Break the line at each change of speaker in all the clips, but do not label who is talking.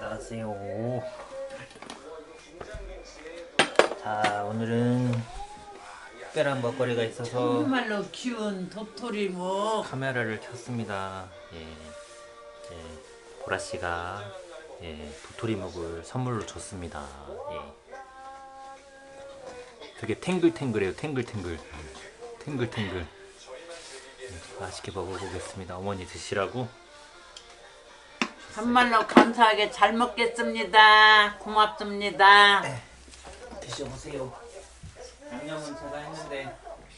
안녕하세요. 자, 오늘은 특별한 먹거리가 있어서
정말로 키운 도토리묵
카메라를 켰습니다. 보라씨가 도토리묵을 선물로 줬습니다. 되게 탱글탱글해요. 탱글탱글. 맛있게 먹어보겠습니다. 어머니 드시라고.
정말로 감사하게 잘 먹겠습니다. 고맙습니다.
드셔보세요. 양념은 제가 했는데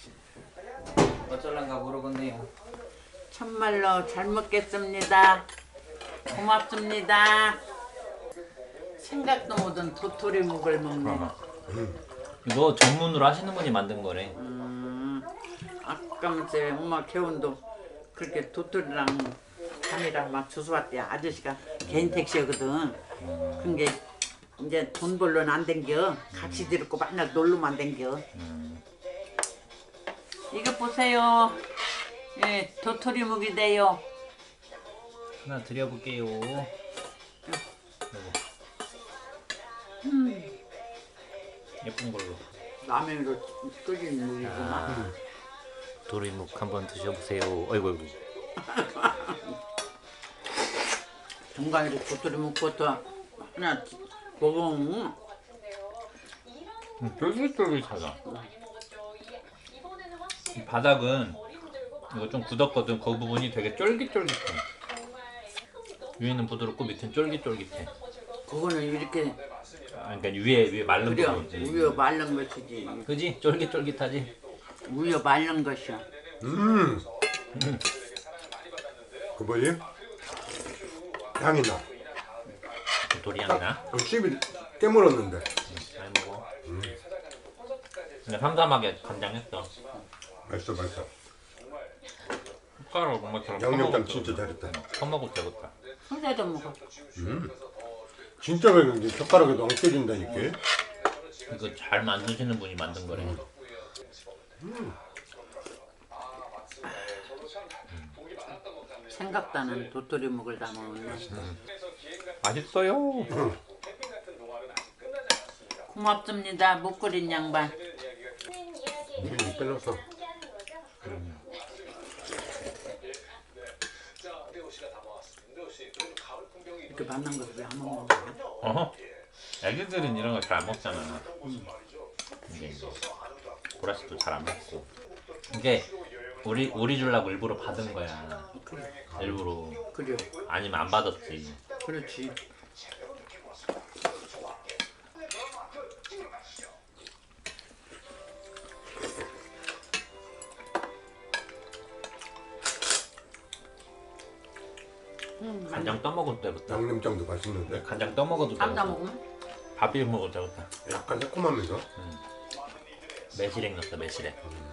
어쩔란가 모르겠네요.
정말로 잘 먹겠습니다. 고맙습니다. 생각도 못한 도토리묵을 먹네.
이거 전문으로 하시는 분이 만든 거래.
아까면서 엄마 개운도 그렇게 도토리랑 밤이랑 막 주워왔대. 아저씨가 개인 택시거든. 근데 이제 돈 벌러는 안 댕겨. 같이 들고 맨날 놀러만 댕겨. 이거 보세요. 예, 도토리묵이래요.
하나 드려볼게요. 요거. 예쁜 걸로.
라면으로 끓인 물이구만.
도토리묵 한번 드셔보세요. 어이구.
중간에 도토리묵부터 하나 먹으면
쫄깃쫄깃하다. 이 바닥은 이거 좀 굳었거든. 그 부분이 되게 쫄깃쫄깃해. 위에는 부드럽고 밑은 쫄깃쫄깃해.
그거는 이렇게
그러니까 위에 마른
그래
부분이지.
우유 말른 것이지.
그지? 쫄깃쫄깃하지?
우유 말른 것이야.
그 뭐지? 향이 나.
도토리 향이 나?
씹이 깨물었는데.
잘 먹어. 근데 삼삼하게 간장했어.
맛있어.
숟가락으로 뭔가처럼
양념장 진짜 잘했다.
퍼먹을 되겠다.
혼자도 먹어.
진짜 맛있는데 젓가락에도 안 깨진다니까.
이거 잘 만드시는 분이 만든 거래.
생각도 안 하는 도토리묵을 다 먹었네.
맛있어요.
고맙습니다. 못 끓인 양반.
빼놨어.
이렇게 만난 것을 왜 안 먹는
어허. 애기들은 이런 거 잘 안 먹잖아. 이게 보라씨도 잘 안 먹고. 이게 우리 주려고 일부러 받은 거야. 일부러.
그래.
아니면 안 받았지.
그렇지.
간장 떠먹을 때부터.
양념장도 맛있는데.
간장 떠먹어도
쌈다
되겠다.
먹으면
밥 비벼 먹어도 되겠다.
약간 새콤하면서.
매실액 넣었다. 매실액.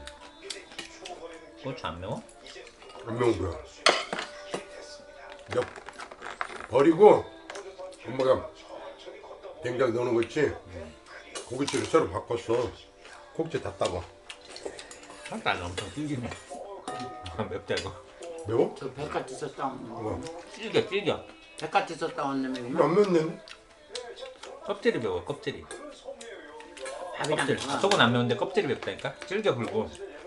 고추 안 매워?
안 매운 거야. 몇 버리고 엄마가 된장 넣는 거 있지? 고깃집을 새로 바꿨어. 콕지 다 따고.
살짝 엄청 질기네. 맵다 이거.
매워?
저 백같이 썼다
뭐?
질겨.
백같이 썼다 왔네.
안 맵네.
껍질이 매워. 껍질이.
밥이랑
껍질. 속은 안 매운데 껍질이 맵다니까. 질겨 불고.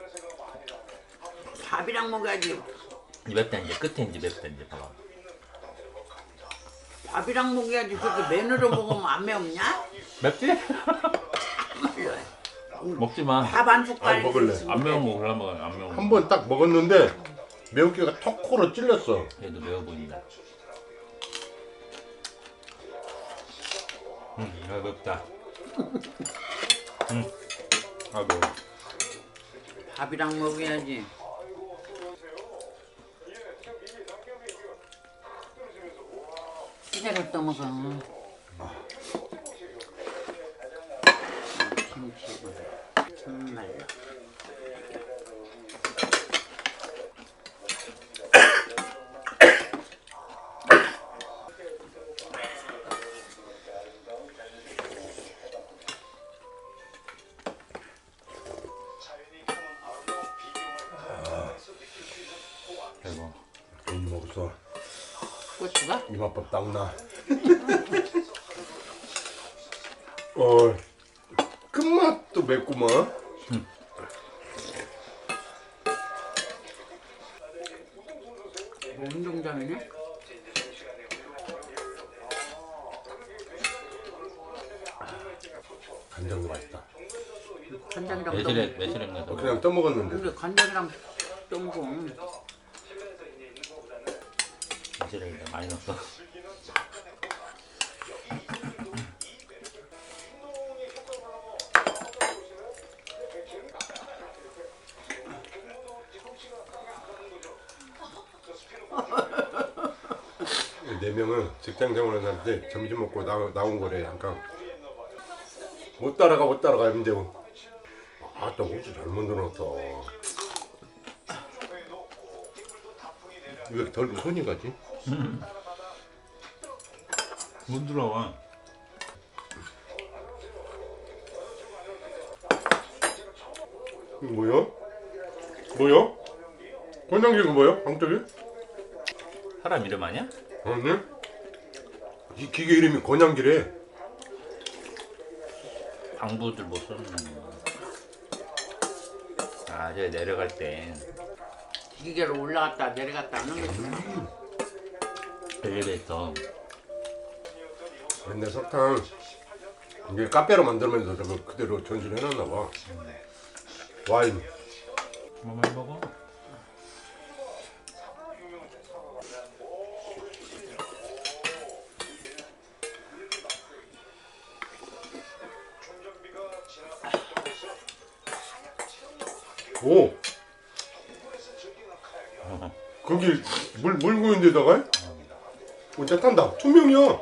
밥이랑 먹어야지.
맵다 이제 끝에 이제 맵다 이제 봐봐.
밥이랑 먹어야지. 그렇게 맨으로 먹으면 안 매웠냐?
맵지? 먹지 마.
밥 한 숟갈.
아니, 먹을래.
안 매운 거 골라 먹어. 안 매운 거.
한 번 딱 먹었는데 매운기가 턱 코로 찔렸어.
얘도 매워 보인다. 맵다. 아 매워.
밥이랑 먹어야지. 시대를 떠먹어. 김치고 정말로.
대박.
괜히 먹었어.
고추가?
이맛밥 딱 나. 끝맛도 맵구만.
운동장이네.
간장도 맛있다.
간장이랑
매실액 넣어서
그냥 떠먹었는데.
근데 간장이랑 똥공
매실액 많이 넣었어.
네 명은 직장 생활을 하는데 점심 먹고 나온 거래. 잠깐 못 따라가 근데 아또 고추 잘 만들었다. 왜 이렇게 덜 손이 가지?
못 들어와.
이거 뭐야? 권장기가 뭐야? 방떡이?
사람 이름 아니야?
아니? 이 기계 이름이 권양기래.
광부들 못 쓰는 거. 아, 저 내려갈 때
기계로 올라갔다 내려갔다 하는 거지.
엘리베이터.
옛날 석탄 이게 카페로 만들면서 저거 그대로 전시해놨나 봐. 와인.
뭐 많이 먹어?
오. 거기 물 고인 데다가 혼자 탄다. 투명이야.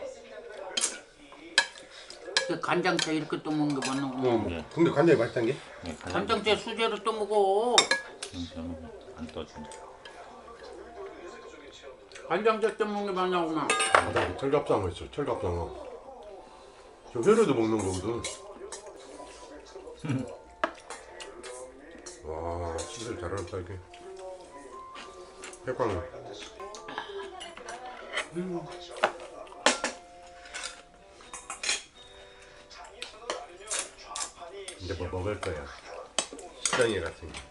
그 간장채 이렇게 또 먹는 게 맞는 거.
네.
근데 간장이 맛있단 게?
네,
간장채 수제로 또 먹어.
안 떠준다.
간장채 또 먹는 게 맞냐구나.
나 철갑상어 있어. 철갑상어. 저 회로도 먹는 거거든. 와, 진짜 잘한다 이게. 해광을. 이제 뭐 먹을 거야. 시장에 같은 거.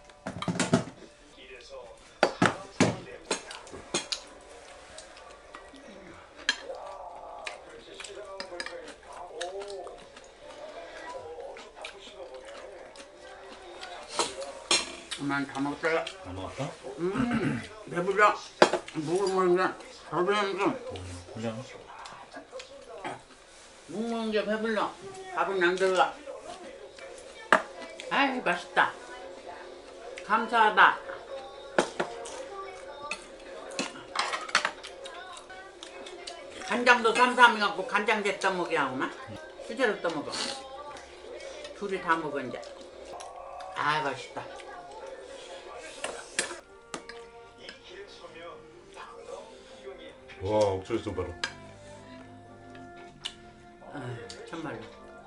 난 다 먹었어요.
안 먹었어?
배불러. 묵을 먹는 게 배부르는
그냥
묵 먹는 게 배불러. 밥은 안 들어가. 아이 맛있다. 감사하다. 간장도 쌈쌈해갖고 간장제 떠먹게 하구나. 수제로 떠먹어. 둘이 다 먹어 이제. 아 맛있다.
와, 옥수수 봐라.
아, 참말로.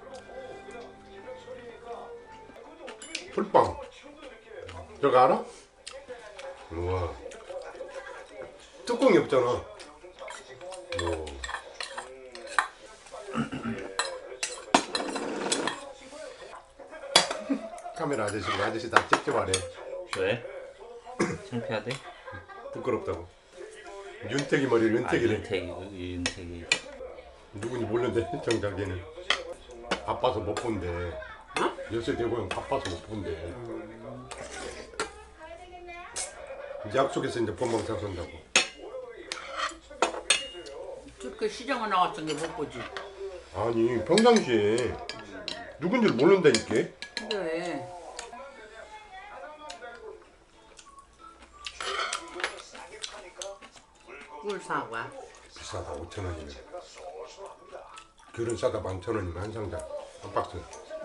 풀빵. 저거 알아? 우와. 뚜껑이 없잖아. 오. 카메라 아저씨 다 찍지 말해.
왜? 창피하대?
부끄럽다고. 윤택이 머리 윤택이래.
윤택이.
누군지 모르는데 정작에는 바빠서 못 본대. 요새 대보면 바빠서 못 본대. 이제 약속해서 이제 본방 사선다고.
그 시장에 나왔던 게 못 보지.
아니 평상시에 누군지를 모른다니까.
그래. 꿀 사과.
비싸다 5,000원이면. 귤은 싸다 11,000원이면 한 상자 한 박스.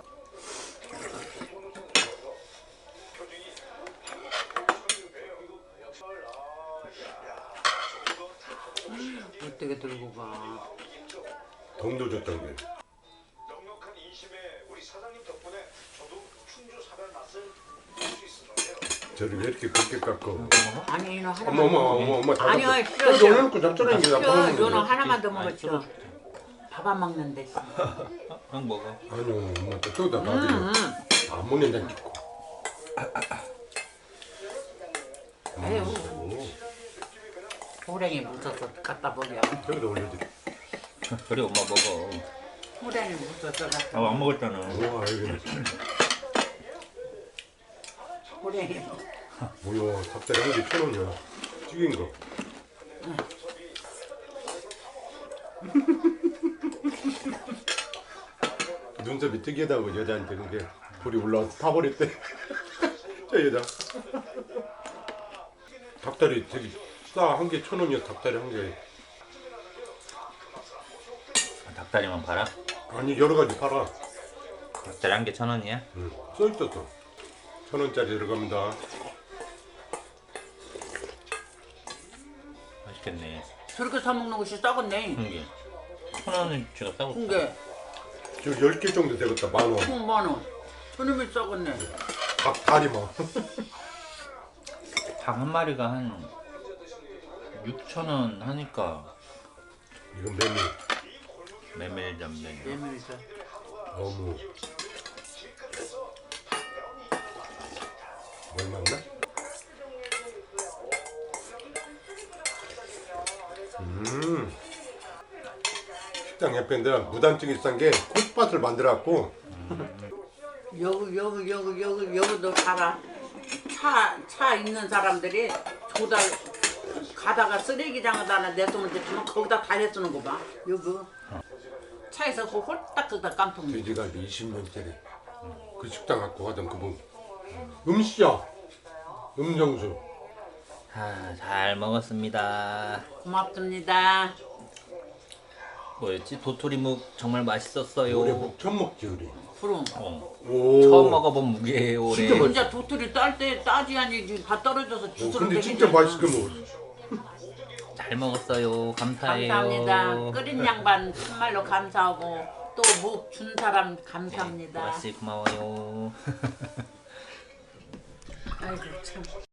어떻게 들고 가?
돈도 줬던 게.
넉넉한 인심에 우리 사장님 덕분에 저도 충주 사별 맛을 볼 수 있었는데요.
저를 왜 이렇게 굵게 깎고.
아니 너 하나만.
어머 다
아니요,
줬어.
싫어, 싫어.
올려놓고 잡숴라 이게.
싫어, 너는 하나만 더 먹었죠. 밥 안 먹는데.
형 먹어.
아니요 엄마 또다 놔드려. 안 먹는다는 짓고.
에휴, 호랭이 묻어서 갖다 버려.
저기다 올려드려.
그래 엄마 먹어.
호랭이 묻어서 갖다.
안 먹었잖아.
우와 여기는
호랭이.
뭐야 닭다리 한 개 1,000원이야. 튀긴 거. 눈썹이 특이하다고 여자한테 그게 불이 올라와서 타버렸대. 저 여자. 닭다리 되게 싸. 한 개 1,000원이야 닭다리 한 개.
닭다리만 팔아?
아니 여러 가지 팔아.
닭다리 한 개 1,000원이야?
응. 써 있었어. 1,000원짜리 들어갑니다.
맛있겠네.
저렇게 사 먹는 것이 싸겠네.
한 개. 1,000원은 제가 싸고.
근데
저 10개 정도 되겠다. 10,000원.
10,000원. 저놈이 싸겠네.
닭다리만.
닭 한 마리가 한 6,000원 하니까
이건 메뉴.
메밀전면.
메밀전.
어묵. 뭘 맞나? 식당 옆에 내가 무단증이 싼 게 콧밭을 만들어갖고
여기도 살아. 차 있는 사람들이 조달 가다가 쓰레기장에다 내놓으면 되지만 거기다 다 내쓰는 거 봐. 여기 차에서 그 홀딱홀딱 깜짝 놀래.
돼지갈비 20년짜리 그 식당 갖고 가던 그분 음시야 음정수
아, 잘 먹었습니다.
고맙습니다.
뭐였지? 도토리묵 정말 맛있었어요.
올해 목 처음 먹지 우리.
그럼
오.
처음 먹어본 무게예요 올해.
진짜
혼자 도토리 딸 때 따지 아니지 다 떨어져서 주스를
근데 진짜 맛있게 먹었어.
잘 먹었어요. 감사해요.
감사합니다. 끓인 양반 정말로 감사하고 또 묵 준 사람 감사합니다.
아씨 고마워요.
아이고 참.